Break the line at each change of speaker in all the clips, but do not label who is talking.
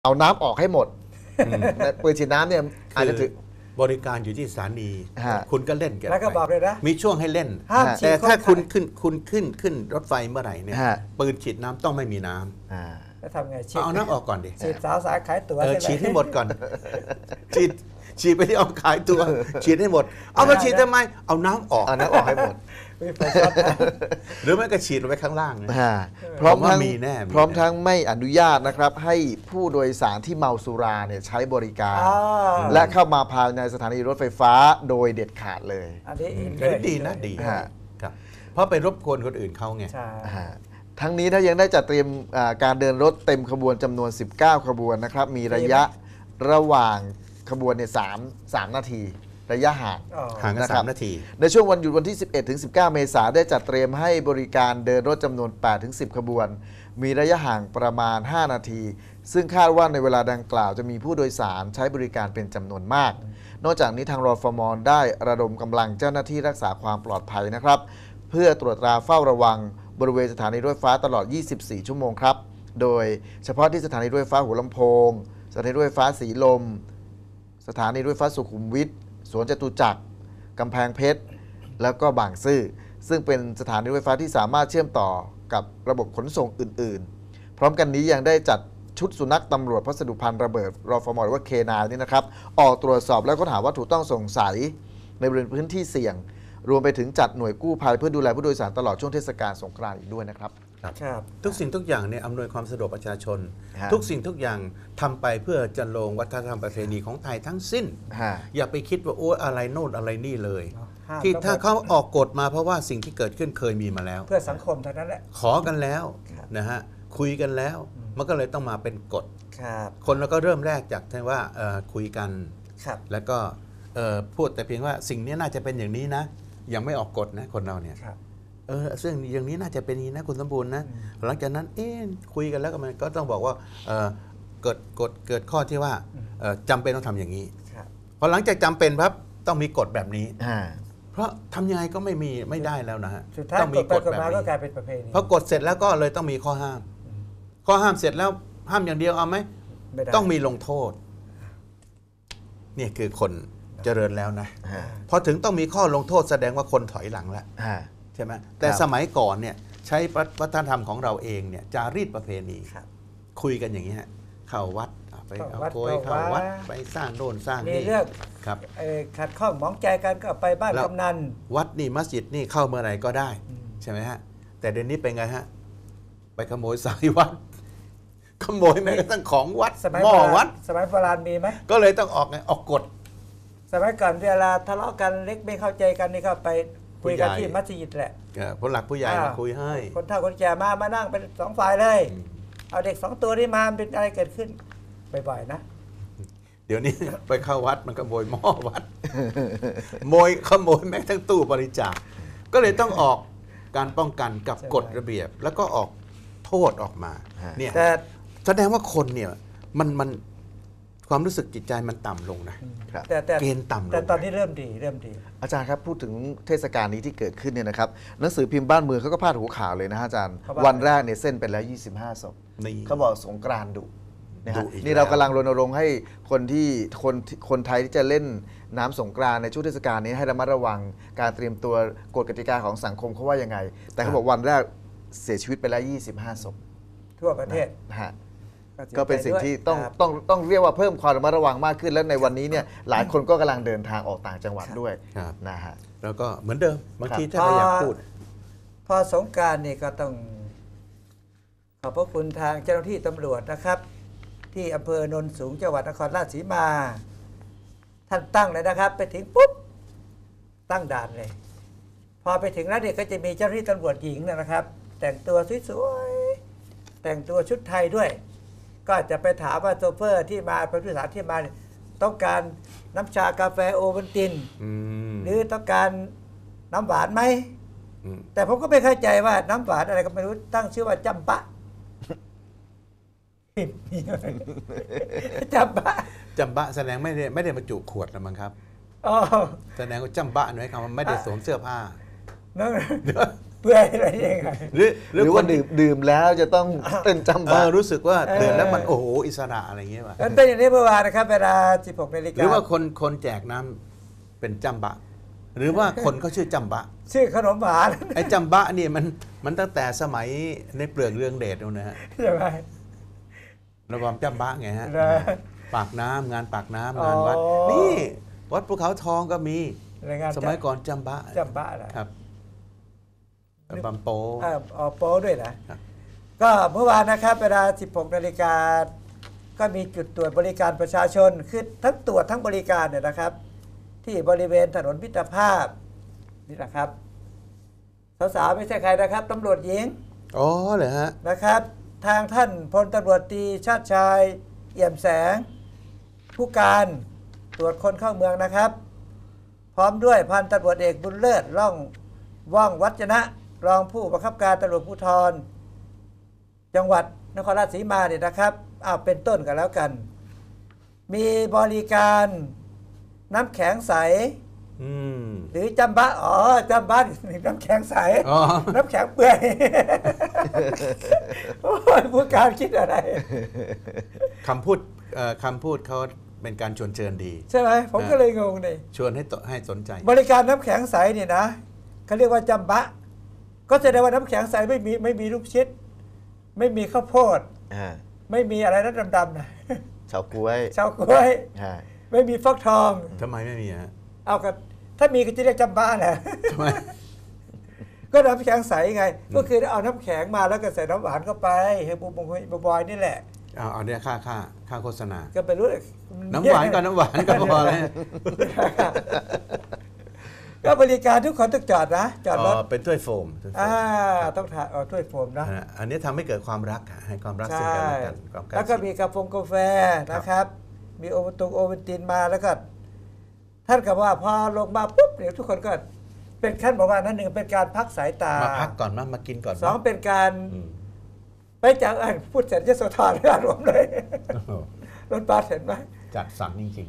เอาน้ำออกให้หมดปืนฉีดน้ำเนี่ยอาจจะถึง
บริการอยู่ที่สถานี
ฮะ
คุณก็เล่นกัน
แล้วก็บอกเลยนะ
มีช่วงให้เล่น
ห้ามฉีด
แต่ถ้า
คน
คุณขึ้นรถไฟเมื่อไหร่เนี่ย
ฮะ
ปืนฉีดน้ำต้องไม่มีน้ำ
แล้วทำไงฉีด
เอาน้ำออกก่อนดิ
ฉีดสาวสายขายตั๋ว
เออ
ใช่ไหม
ฉีดให้หมดก่อนฉีดไปที่เอาขายตัวฉีดให้หมด เอามาฉีดทำไมเอาน้ำออก
เอาน้ำออกให้หมด
มีไฟช็อตนะ
หรือไม่ก็ฉีดลงไปข้างล่างนะ
พร้อมทั้ง
ผมว่ามีแน่มี
พร้อม
แน่
ทั้งไม่อนุญาตนะครับให้ผู้โดยสารที่เมาสุราเนี่ยใช้บริการ
อ่า
และเข้ามาภายในสถานีรถไฟฟ้าโดยเด็ดขาดเลย
อันนี้อิน
ก็ดีนะดี
ฮะ
ครับเพราะไปรบกวนคนอื่นเขาไง
ใช่
ทั้งนี้ถ้ายังได้จัดเตรียมการเดินรถเต็มขบวนจำนวน 19 ขบวนนะครับมีระยะระหว่างขบวนเนี่ย3 นาทีระยะห่าง
อ๋อ
ห่างกัน
นะครับ
3 นาที
ในช่วงวันหยุดวันที่ 11 ถึง 19 เมษายนได้จัดเตรียมให้บริการเดินรถจำนวน 8 ถึง 10 ขบวน มีระยะห่างประมาณ 5 นาที ซึ่งคาดว่าในเวลาดังกล่าวจะมีผู้โดยสารใช้บริการเป็นจำนวนมาก นอกจากนี้ทางรฟม.ได้ระดมกำลังเจ้าหน้าที่รักษาความปลอดภัยนะครับ เพื่อตรวจตราเฝ้าระวังบริเวณสถานีรถไฟฟ้าตลอด 24 ชั่วโมงครับ โดยเฉพาะที่สถานีรถไฟฟ้าหัวลำโพง สถานีรถไฟฟ้าสีลม สถานีรถไฟฟ้าสุขุมวิทสวนจตุจักรกำแพงเพชร แล้วก็บางซื่อซึ่งเป็นสถานีรถไฟฟ้าที่สามารถเชื่อมต่อกับระบบขนส่งอื่นๆ พร้อมกันนี้ยังได้จัดชุดสุนัขตำรวจพัสดุภัณฑ์ระเบิดรฟม.หรือว่าเคนายนี่นะครับออกตรวจสอบและค้นหาวัตถุต้องสงสัยในบริเวณพื้นที่เสี่ยง รวมไปถึงจัดหน่วยกู้ภัยเพื่อดูแลผู้โดยสารตลอดช่วงเทศกาลสงกรานต์อีกด้วยนะครับ
ครับ
ทุกสิ่งทุกอย่างเนี่ยอำนวยความสะดวกประชาชน
ฮะ
ทุกสิ่งทุกอย่างทำไปเพื่อจันโลงวัฒนธรรมประเพณีของไทยทั้งสิ้น อย่าไปคิดว่าโอ้อะไรโน่นอะไรนี่เลย
ห้าม
ที่
ต้อง
ถ้าเขาออกกฎมาเพราะว่าสิ่งที่เกิดขึ้นเคยมีมาแล้ว
เพื่อสังคมเท่านั้นแหละ
ขอกันแล้ว
ครับ
นะฮะคุยกันแล้ว มันก็เลยต้องมาเป็นกฎ
ครับ
คนเราก็เริ่มแรกจากที่ว่าคุยกัน
ครับ
แล้วก็พูดแต่เพียงว่าสิ่งนี้น่าจะเป็นอย่างนี้นะยังไม่ออกกฎนะคนเราเนี่ย
ครับ
ซึ่งอย่างนี้น่าจะเป็นอย่างนี้นะคุณสมบูรณ์นะหลังจากนั้นคุยกันแล้วก็มันก็ต้องบอกว่าเกิดข้อที่ว่าจำเป็นต้องทำอย่างนี้
ครับ
พอหลังจากจำเป็นครับต้องมีกฎแบบนี้
อ่า
เพราะทำยังไงก็ไม่ได้แล้วนะฮะ
สุดท้าย
ต้อง
ก
มี
ฎไป
กฎ
กฎ
แบบ
มาก็
นี้
กลายเป็นประเพณี
พอกฎเสร็จแล้วก็เลยต้องมีข้อห้าม ข้อห้ามเสร็จแล้วห้ามอย่างเดียวเอาไหม
ไม่ได้
ต้องมีลงโทษเนี่ยคือคนเจริญแล้วนะ
ฮะ
พอถึงต้องมีข้อลงโทษแสดงว่าคนถอยหลังแล้ว
ฮะ
ใช่ไหมแต่
ครับ
สมัยก่อนเนี่ยใช้วัฒนธรรมของเราเองเนี่ยจารีตประเพณี
ครับ
คุยกันอย่างนี้ฮะเข้าวัดไปเอาโกย
เข้า
เข้า
วั
วั
ด
ดไปสร้างโน่นสร้าง
มี
นี่
เรื่อง
ครับ
ขัดข้องหมองใจกันก็ไปบ้าน
แล้ว
กำนัน
วัดนี่มัสยิดนี่เข้าเมื่อไหร่ก็ได้ ใช่ไหมฮะแต่เดี๋ยวนี้เป็นไงฮะไปขโมยสายวัดขโมยแม้กระทั่งของวัด
สมัย
หม้อ
โบรา
วั
ณ
ด
สมัยโบราณมีไหม
ก็เลยต้องออกไงออกกฎ
สมัยก่อนเวลาทะเลาะกันเล็กไม่เข้าใจกันนี่ก็ไปคุยกัน
ผู้ใหญ่
ที่มัสยิดแหละ
ผู้หลักผู้ใหญ่มาคุยให้
คนเฒ่าคนแก่มานั่งเป็นสองฝ่ายเลย เอาเด็กสองตัวนี้มาเป็นอะไรเกิดขึ้นบ่อยๆนะ
เดี๋ยวนี้ ไปเข้าวัดมันขโมยหม้อวัดขโมยแม้กระทั่งตู้บริจาคก็เลยต้องออกการป้องกันกับ
ใช่
กฎระเบียบ แล้วก็ออกโทษออกมาเนี่ย
แต่
แสดงว่าคนเนี่ยมันความรู้สึกจิตใจมันต่ำลงนะครับ
แต่
เกณฑ์ต่ำลง
แต่ตอนนี้เริ่มดี
อาจารย์ครับพูดถึงเทศกาลนี้ที่เกิดขึ้นเนี่ยนะครับหนังสือพิมพ์บ้านเมืองเขาก็พาดหัวข่าวเลยนะฮะอาจารย์
เขาว่า
วันแรกเนี่ยเส้นไปแล้ว 25 ศพ
นี่
เขาบอกสงกรานต์ดุนะฮะ
ดุอีก
นี่เรา
แล้ว
กำลังรณรงค์ให้คนไทยที่จะเล่นน้ำสงกรานต์ในช่วงเทศกาลนี้ให้ระมัดระวังการเตรียมตัวกฎกติกาของสังคมเขาว่ายังไง แต่เขาบอกวันแรกเสียชีวิตไปแล้ว 25 ศพ
ทั่วประเทศ
นะฮะ
สีย
ก็เป็นสิ่งที่
ใจด้วยครับ
ต้องเรียกว่าเพิ่มความระมัดระวังมากขึ้น และในวันนี้เนี่ยหลายคนก็กำลังเดินทางออกต่างจังหวัดด้วย
ครับ
นะฮะ
แล้วก็เหมือนเดิมบางที
ครับ
ถ้าเราอยากพูด
พอสงกรารนี่ก็ต้องขอบพระคุณทางเจ้าหน้าที่ตำรวจนะครับ ที่อำเภอโนนสูงจังหวัดนครราชสีมา ท่านตั้งเลยนะครับ ไปถึงปุ๊บตั้งด่านเลย พอไปถึงแล้วเนี่ยก็จะมีเจ้าหน้าที่ตำรวจหญิงนะครับ แต่งตัวสวยๆแต่งตัวชุดไทยด้วย ก็จะไปถามว่าโชเฟอร์ที่มาเป็นผู้โดยสารที่มาเนี่ยต้องการน้ำชากาแฟโอวัลติน หรือต้องการน้ำหวานไหม แต่ผมก็ไม่เข้าใจว่าน้ำหวานอะไรก็ไม่รู้ตั้งชื่อว่าจำปะ จำปะ
จำบะแสดงไม่ได้บรรจุขวดนะมั้งครับ
อ๋อ
แสดงว่าจำบะหน่อยคำว่าไม่ได้สวมเสื้อผ้า
นั่นเปื่อยอะไรยังไง
หรือว่าดื่มแล้วจะต้องเต้นจำบะ
รู้สึกว่าเดินแล้วมันโอ้โหอิสระอะไรอย่างเงี้ยว่ะ
มันเป็นอย่างนี้เมื่อวานนะครับเวลา 16 นาฬิ
ห
กา
รือว่าคนแจกน้ำเป็นจำบะ หรือว่าคนเขาชื่อจำบะ
ชื่อขนมหวาน
ไอ้จำบะเนี่ยมันตั้งแต่สมัยในเปลือกเรืองเดชนู่นนะฮะ
ใช่ไหม
ระบำจำบะไงฮะ
นะ
ปากน้ำงานปากน้ำงานวัดนี่วัดภูเขาทองก็มี
รายงาน
สมัยก่อนจำบะ
จำบ้าเหรอ
ครับบำโป
โป้ด้วยนะครับ ก็เมื่อวานนะครับเวลา 16 นาฬิกาก็มีจุดตรวจบริการประชาชนคือทั้งตรวจทั้งบริการเนี่ยนะครับ ที่บริเวณถนนมิตรภาพนี่นะครับสาวๆไม่ใช่ใครนะครับตำรวจหญิง
อ๋อเหรอฮะ
นะครับ ทางท่านพลตำรวจตรีชาติชายเอี่ยมแสง ผู้การตรวจคนเข้าเมืองนะครับ พร้อมด้วยพันตำรวจเอกบุญเลิศว่องวัจนะรองผู้บังคับการตำรวจภูธรจังหวัดนครราชสีมาเนี่ยนะครับเป็นต้นกันแล้วกัน มีบริการน้ำแข็งใส
อืม
หรือจำบะจำบะน้ำแข็งใส
อ๋อ
น้ำแข็งเปื่อย โอ้ยผู้การคิดอะไร
คำพูดเขาเป็นการชวนเชิญดี
ใช่ไหมผมก็เลยงงเลย
ชวนให้สนใจ
บริการน้ำแข็งใสเนี่ยนะเขาเรียกว่าจำบะ ก็แสดงว่าน้ำแข็งใสไม่มีลูกชิด ไม่มีข้าวโพด ไม่มีอะไรนั้นดำๆนะ
เฉาก๊วย
ชาวกล้วย
อ่า
ไม่มีฟักทอง
ทำไมไม่มีฮะ
เอากันถ้ามีก็จะเรียกจำบะแหละ
ทำไม
ก็น้ำแข็งใสไง ก็คือเอาน้ำแข็งมาแล้วก็ใส่น้ำหวานเข้าไปให้บูบอยนี่แหละ
เอาเนี่ยค่าโฆษณา
ก็ไปรู้
น้ำหวานก็น้ำหวานก็พอแล้ว
ก็บริการทุกคนต้องจอดนะจอดรถ
เป็นถ้วยโฟม
ต้องถ่ายถ้วยโฟมนะ
อันนี้ทำให้เกิดความรักให้ความรักซึ่ง
ใช่
กันและกันความใกล้
แล้วก็
ชิด
มีกาแฟนะครับ มีโอวัลตินมาแล้วก็ ท่านก็ว่าพอลงมาปุ๊บเดี๋ยวทุกคนก็เป็นขั้นบอกว่านั่นหนึ่งเป็นการพักสายตา
มาพักก่อนมากินก่อน
สองเป็นการ
อืม
ไปจากพูดเสร็จยโสธรไม่อารวมณ์เลย
โอ้โห
รถบัสเห็นไหม
จัดสรรจริง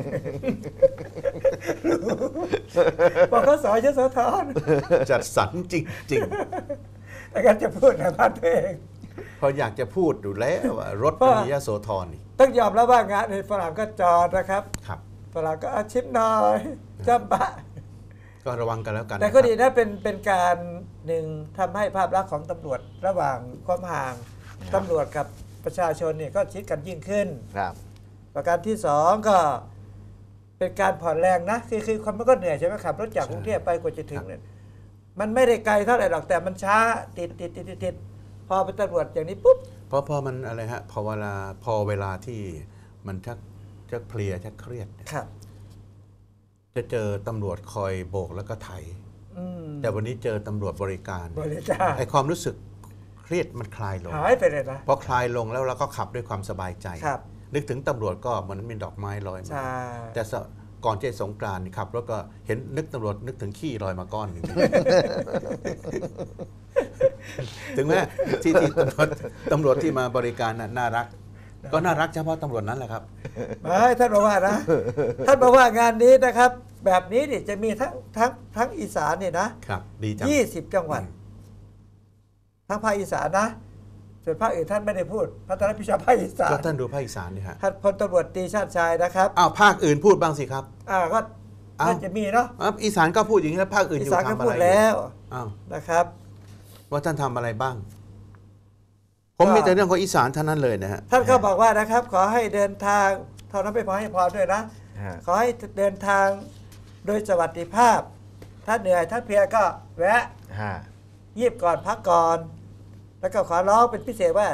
บอกเขาสอยยโสธร
ๆ จัดสรรจริง
แต่การจะพูดในบ้านตัวเอง
ๆพออยากจะพูดอยู่แล้วว่ารถ
เพราะ
มียโสธรนี่
ต้องยอมรับว่างานในฝรั่งก็จอดนะครับ
ครับ
ฝรั่งก็อาชิมหน่อยจำบะ
ก็ระวังกันแล้วกัน
แต่ก็
นะครับ
ดีนะเป็นการหนึ่งทำให้ภาพลักษณ์ของตำรวจระหว่างความห่างตำรวจกับประชาชนเนี่ยก็ชิดกันยิ่งขึ้น
ครับ
ประการที่สองก็เป็นการผ่อนแรงนะคือคนมันก็เหนื่อยใช่ไหมขับรถจากกรุงเทพไปกว่าจะถึงเนี่ยมันไม่ได้ไกลเท่าไหร่หรอกแต่มันช้าติดพอเป็นตำรวจอย่างนี้ปุ๊บ
เพราะพอมันอะไรฮะพอเวลาที่มันชักเพลียชักเครียดเนี่ย
ครับ
จะเจอตำรวจคอยโบกแล้วก็ไถ
อืม
แต่วันนี้เจอตำรวจบริการ
บริการ
ไอความรู้สึกเครียดมันคลายลง
หายไปเลยนะ
พอคลายลงแล้วเราก็ขับด้วยความสบายใจ
ครับ
นึกถึงตำรวจก็เหมือนมีดอกไม้ลอยมา
ใช่
แต่ก่อนเจสงกรานต์ขับรถก็เห็นนึกตำรวจนึกถึงขี้ลอยมาก้อนหนึ่ง ถึงแม้ที่ตำรวจที่มาบริการน่ารัก ก็น่ารักเฉพาะตำรวจนั้นแหละครับ
ไม่ท่านบอกว่านะ ท่านบอกว่างานนี้นะครับ แบบนี้นี่จะมีทั้งอีสานเนี่ยนะครับ
ดีจัง
20 จังหวัด ทั้งภาคอีสานนะ ส่วนภาคอื่นท่านไม่ได้พูดพระท่านรับผิดชอบภาคอีสาน
ก็ท่านดูภาคอีสานดิฮะ
ท่านพลตำรวจตรีชาติชายนะครับ
อ้าวภาคอื่นพูดบ้างสิครับ
ก็
อ้าว
น่าจะมีเนาะ
อีสานก็พูดอย่างนี้แล้วภาคอื่น
อี
อยู่
สานก็
ทำอะ
พู
ไร
ด
อยู่
แล้ว
อ้าว
นะครับ
ว่าท่านทำอะไรบ้าง ผมมีแต่เรื่องของอีสานเท่านั้นเลยนะฮะ
ท่านก็บอกว่านะครับ ขอให้เดินทางเท่านั้นไม่พอให้พรด้วยนะ ขอให้เดินทางโดยสวัสดิภาพ ถ้าเหนื่อยถ้าเพลียก็แวะ ยีบก่อนพักก่อน แล้วก็ขอร้องเป็นพิเศษว่า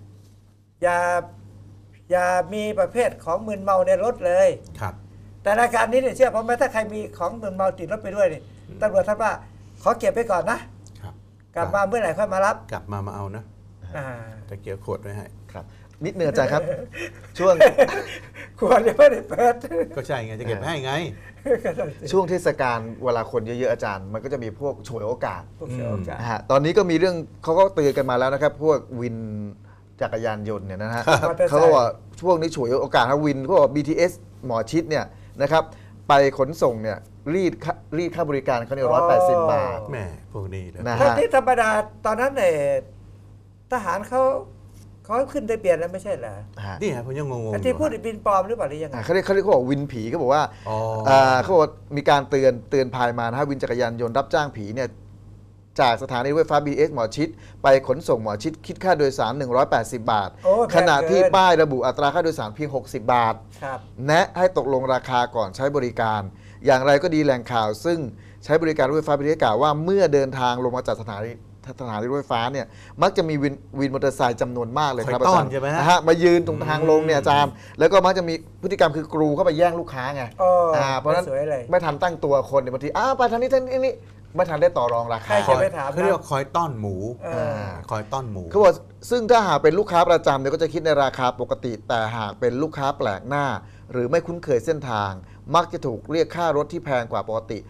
อย่ามีประเภทของมึนเมาในรถเลย
ครับ
แต่รายการนี้เนี่ยเชื่อผมไหมถ้าใครมีของมึนเมาติดรถไปด้วยนี่ตำรวจท่านว่า ขอเก็บไปก่อนนะครับ กลับมาเมื่อไหร่ค่อยมารับ
กลับมาเอานะ
อ่า
ตะเกียบขวดไว้ให้
ครับ นิดเนือใจครับ ช่วง
ควรจะไม่ได้เปิด
ก็ใช่ไงจะเก็บให้ไง
ช่วงเทศกาลเวลาคนเยอะๆอาจารย์ มันก็จะมีพวกฉวยโอกาส
พวกเสียโอกาส
นะฮะตอนนี้ก็มีเรื่องเขาก็เตือนกันมาแล้วนะครับ พวกวินจักรยานยนต์เนี่ยนะฮะ
มอเตอร์ไซค์
เขาก็ว่าช่วงนี้ฉวยโอกาสครับวินพวก BTS หมอชิดเนี่ยนะครับไปขนส่งเนี่ยรีดค่าบริการเขาเนี่ย180 บาท
แหม่พวกนี้เลย
นะ
ถ้าที่ธรรมดาตอนนั้นเนี่ยทหารเขาขึ้นทะเบียนแล้วไม่ใช่เหรอ
นี่ฮะผมยังงงๆ
ไอ้
อยู่
ที่พูดบินปลอมหรือเปล่าหรือยังไง
เขาเรียกว่าวินผีเขาบอกว่า
อ๋อ
เขาบอกมีการเตือนภัยมานะฮะวินจักรยานยนต์รับจ้างผีเนี่ยจากสถานีรถไฟฟ้า BTS หมอชิดไปขนส่งหมอชิดคิดค่าโดยสาร180 บาท
โอ้แพงเกิน
ขณะที่ป้ายระบุอัตราค่าโดยสารเพียง60 บาท
ครับ
แนะให้ตกลงราคาก่อนใช้บริการ อย่างไรก็ดีแหล่งข่าว ซึ่งใช้บริการรถไฟฟ้า BTS กล่าวว่าเมื่อเดินทางลงมาจากสถานีรถไฟฟ้าเนี่ยมักจะมีวินมอเตอร์ไซค์จำนวนมากเลยครับ
คอยต้อน
อาจารย์
ใช่ไหมฮะ
นะฮะมายืนตรงทางลงเนี่ยอาจารย์แล้วก็มักจะมีพฤติกรรมคือกรูเข้าไปแย่งลูกค้าไง
โอ้
เพราะฉะนั้น
สวยเลย
ไม่ทันตั้งตัวคนเนี่ยบางทีไปทางนี้นี่ไม่ทันได้ต่อรองรา
ใค
คาร
จะไปถาม
เขาเรียกว่าคอยต้อนหมู
เออ
คอยต้อนหมู
เขาบอกซึ่งถ้าหากเป็นลูกค้าประจำเนี่ยก็จะคิดในราคาปกติ แต่หากเป็นลูกค้าแปลกหน้า หรือไม่คุ้นเคยเส้นทาง มักจะถูกเรียกค่ารถที่แพงกว่าปกติ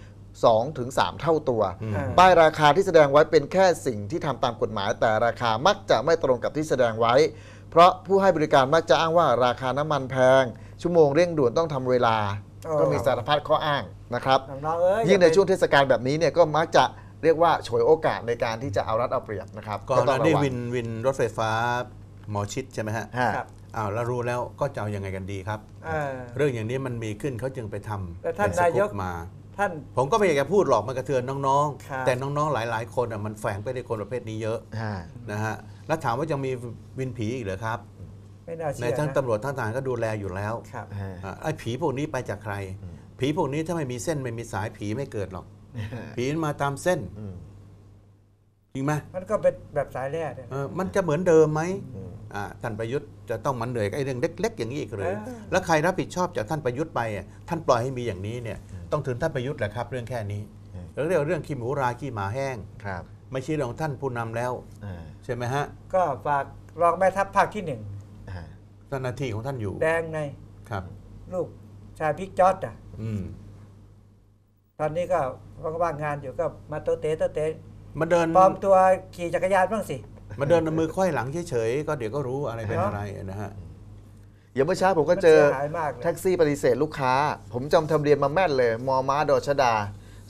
2-3 เท่าตัว
อืม
ป้ายราคาที่แสดงไว้เป็นแค่สิ่งที่ทำตามกฎหมาย แต่ราคามักจะไม่ตรงกับที่แสดงไว้ เพราะผู้ให้บริการมักจะอ้างว่าราคาน้ำมันแพง ชั่วโมงเร่งด่วนต้องทำเวลา ก็มีสารพัดข้ออ้างนะครับ
น้องๆเอ้ย
ยิ่งในช่วงเทศกาลแบบนี้เนี่ยก็มักจะเรียกว่าฉวยโอกาสในการที่จะเอารัดเอาเปรียบนะครับ
ก่อน
ต้
ห
อง
น้า
ระ
นี้
วัง
วินรถไฟฟ้าหมอชิดใช่ไหมฮะ
ฮะ
ครับ
อ้าวแล้วรู้แล้วก็จะเอายังไงกันดีครับ
เออ
เรื่องอย่างนี้มันมีขึ้นเขาจึงไปทำ
แต่ท่าน
เป็สกู๊ป
นายก
มา
ท่าน
ผมก็ไม่อยากจะพูดหรอกมันกระเทือนน้อง
ครับ
ๆ แต่น้องๆหลายๆคนมันแฝงไปในคนประเภทนี้เยอะ
ฮะ
นะฮะแล้วถามว่ายังมีวินผีอีกเหรอครับ
ไม่น่า
ใน
เชื่อ
ทั้ง
นะ
ตำรวจทั้งทหารก็ดูแลอยู่แล้ว
ครับ
ฮะ
ไอ้ผีพวกนี้ไปจากใคร ผีพวกนี้ถ้าไม่มีเส้นไม่มีสายผีไม่เกิดหรอก ผีมันมาตามเส้น
อืม
จริงไหม
มันก็เป็นแบบสายแร่เนี่ย
มันจะเหมือนเดิมไหม
อืม
ท่านประยุทธ์จะต้องมันเหนื่อยกับไอ้เรื่องเล็กๆอย่างนี้อีกหรือ
เออ
แล้วใครรับผิดชอบจากท่านประยุทธ์ไปท่านปล่อยให้มีอย่างนี้เนี่ยต้องถึงท่านประยุทธ์แหละครับ เรื่องแค่นี้แล้วเรื่องขี้หมูราขี้หมาแห้ง
ครับ
ไม่ใช่เรื่องของท่านผู้นำแล้ว
อ่า
ใช่ไหมฮะ
ก็ฝากรองแม่ทัพภาคที่หนึ่ง
อ่า
หน้าที่ของท่านอยู่
แดงใน
ครับ
ลูกชายพิกจอดอ่ะ
อืม
ตอนนี้ก็ว่างงานอยู่ก็มาโตเตะโตเตะ
มาเดิน
ปลอมตัวขี่จักรยานบ้างสิ
มาเดินเอามือควยหลังเฉยๆก็เดี๋ยวก็รู้อะไรเป็นอะไรนะฮะ
อย่างเมื่อเช้าผมก็เจอ
มันสียหายมากเลย
แท็กซี่ปฏิเสธลูกค้า ผมจำทะเบียนมาแม่นเลย มม้าดอชดา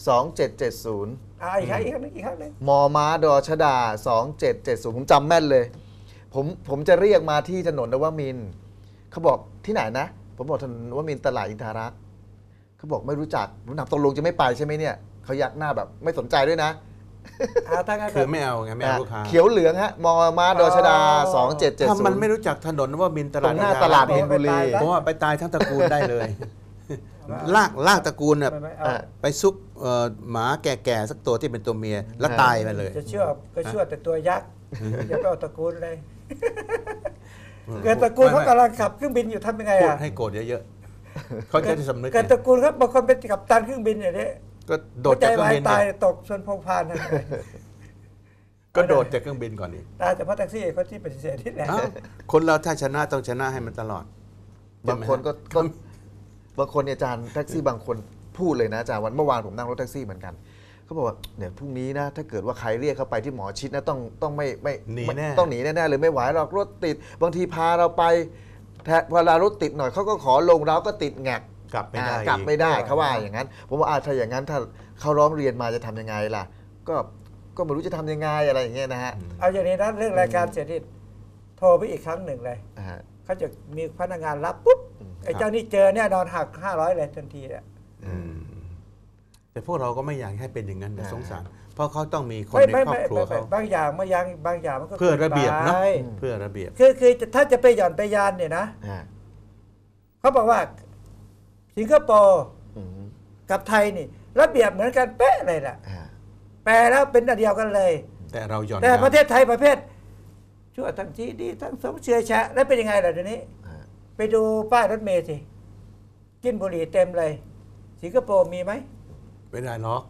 2770
อีกครั้งอีกครั้งหนึงอีกครั้งหนึง
มม้าดอชดา 2770 ผมจำแม่นเลย ผมจะเรียกมาที่ถนนนวมินทร์เขาบอกที่ไหนนะ ผมบอกถนนนวมินทร์ตลาดอินทารักษ์เขาบอกไม่รู้จักผมถามตกลงจะไม่ไปใช่ไหมเนี่ยเขายักหน้าแบบไม่สนใจด้วยนะ
ถ้างั้น
คือไม่เอาไงไม่เอาลูกค้า
เขียวเหลืองฮะมม้าดอชดา
ถ้ามันไม่
2770
รู้จักถนนว่ามินต
ต
ลา
ร
ด
งหน้า
อิท
ตลาด
รักษ์
มินบุรี
เพราะว่าไปตายทั้งตระกูลได้เลย ลากตระกูลน่ะ
ไม่เอา
อ่ะ
ไปซุกหมาแก่ๆสักตัวที่เป็นตัวเมียแล้วตายไปเลย
จะเชื่อก็เชื่อแต่ตัวยักษ์อย่าไปเอาตระกูลเลย เกิดตระกูลเขากำลังขับเครื่องบินอยู่ทำยังไง
พูด
อ่ะ
ให้โกรธเยอะๆเขาจะได้สำนึก
เกิดตระกูลครับบางคนเป็นกัปตันเครื่องบินอย่างนี้
ก็โด
หัว
ด
ใจ
จากเครื่อ
วาง ย
บิน
ตาย
เนี่ย
ตกชนพงพานนั่นเลย
ก็โดดจากเครื่องบินก่อนดิ
ตายแต่เพราะแท็กซี่เขาที่ปฏิเสธที่แหละ
อ้าวคนเราถ้าชนะต้องชนะให้มันตลอด
บางคนก็บางคนเนี่ยอาจารย์แท็กซี่บางคนพูดเลยนะอาจารย์วันเมื่อวานผมนั่งรถแท็กซี่เหมือนกันเขาบอกว่าเนี่ยพรุ่งนี้นะถ้าเกิดว่าใครเรียกเข้าไปที่หมอชิดนะต้องไม่
หนีแน่
ต้องหนีแน่ๆเลยไม่ไหวหรอกรถติด บางทีพาเราไปเวลารถติดหน่อยเขาก็ขอลงเราก็ติดแงก
กลับไม่ได้
กลับไม่ได้
อีก
เขาว่าอย่างนั้นผมว่าถ้าอย่างนั้นถ้าเขาร้องเรียนมาจะทำยังไงล่ะ ก็ไม่รู้จะทำยังไงอะไรอย่างเงี้ยนะฮะ
เอาอย่างนี้นะเรื่องรายการเสร็จนี่โทรไปอีกครั้งหนึ่งเลย
อ่าฮะ
เขาจะมีพนักงานรับปุ๊บ
อืม
ไอ้เจ้านี่เจอเนี่ยนอนหัก500เลยทันทีอ่ะ
อืมแต่พวกเราก็ไม่อยากให้เป็นอย่างนั้นนะสงสาร เพราะเขาต้องมีคน
ไม่
ใน
ไม่
ครอบ
ไม่
ครัวเขา
บางอย่างมันก็
เพื่อระเบียบเนอะ
กิไป
เพื่อระเบียบ
คือถ้าจะไปหย่อนไปยานเนี่ยนะ
อ่า
เขาบอกว่าสิงคโปร์
อืม
กับไทยนี่ ระเบียบเหมือนกันเป๊ะเลยแหละ
อ่า
แปลแล้วเป็นอันเดียวกันเลย
แต่เราหย่อน
แต่
ยาน
ประเทศไทยประเภทชั่วทั้งที่ดีทั้งสมเชื่อแชะแล้วเป็นยังไงล่ะเดี๋ยวนี้
อ่า
ไปดูป้ายรถเมล์สิกินบุหรี่เต็มเลย สิงคโปร์มีไหม
ไม่ได้หรอก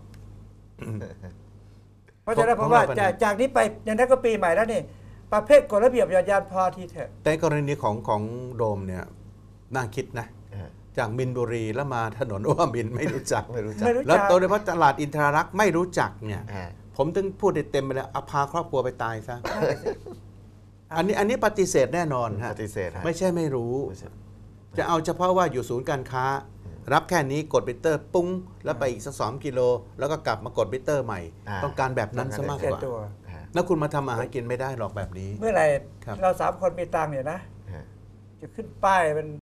เพราะฉะนั้น
เพ
ผ
ราะ
มว่า
ว่า
จากนี้ไปอย่างนั้นก็ปีใหม่แล้วนี่ประเภทกฎระเบียบหย่อนยานพอทีเถอะ
แต่กรณีของโดมเนี่ยน่าคิดนะ
อ่า
จากมินบุรีแล้วมาถนนว่ามินไม่รู้จัก
ไม่รู้จัก
ไม่รู้
แล้ว
จัก
โดยเฉพาะตลาดอินทรารักษ์ไม่รู้จักเนี่ย
อ่า
ผมถึงพูดได้เต็มไปแล้วเอาพาครอบครัวไปตายซะ อันนี้ปฏิเสธแน่นอนฮะ
ปฏิเสธฮะ
ไม่ใช่ไม่รู้ จะเอาเฉพาะว่าอยู่ศูนย์การค้ารับแค่นี้กดมิเตอร์ปุ้งแล้วไปอีกสัก2 กิโลแล้วก็กลับมากดมิเตอร์ใหม่ ต้องการแบบนั้นซะมาก
แค่
กว่า
ตัว
แล้วคุณมาทำอาหารกินไม่ได้หรอกแบบนี้
เมื่อไหร่
ครับ
เรา3 คนมีตังค์เนี่ยนะ
ฮะ
จะขึ้นป้ายเป็น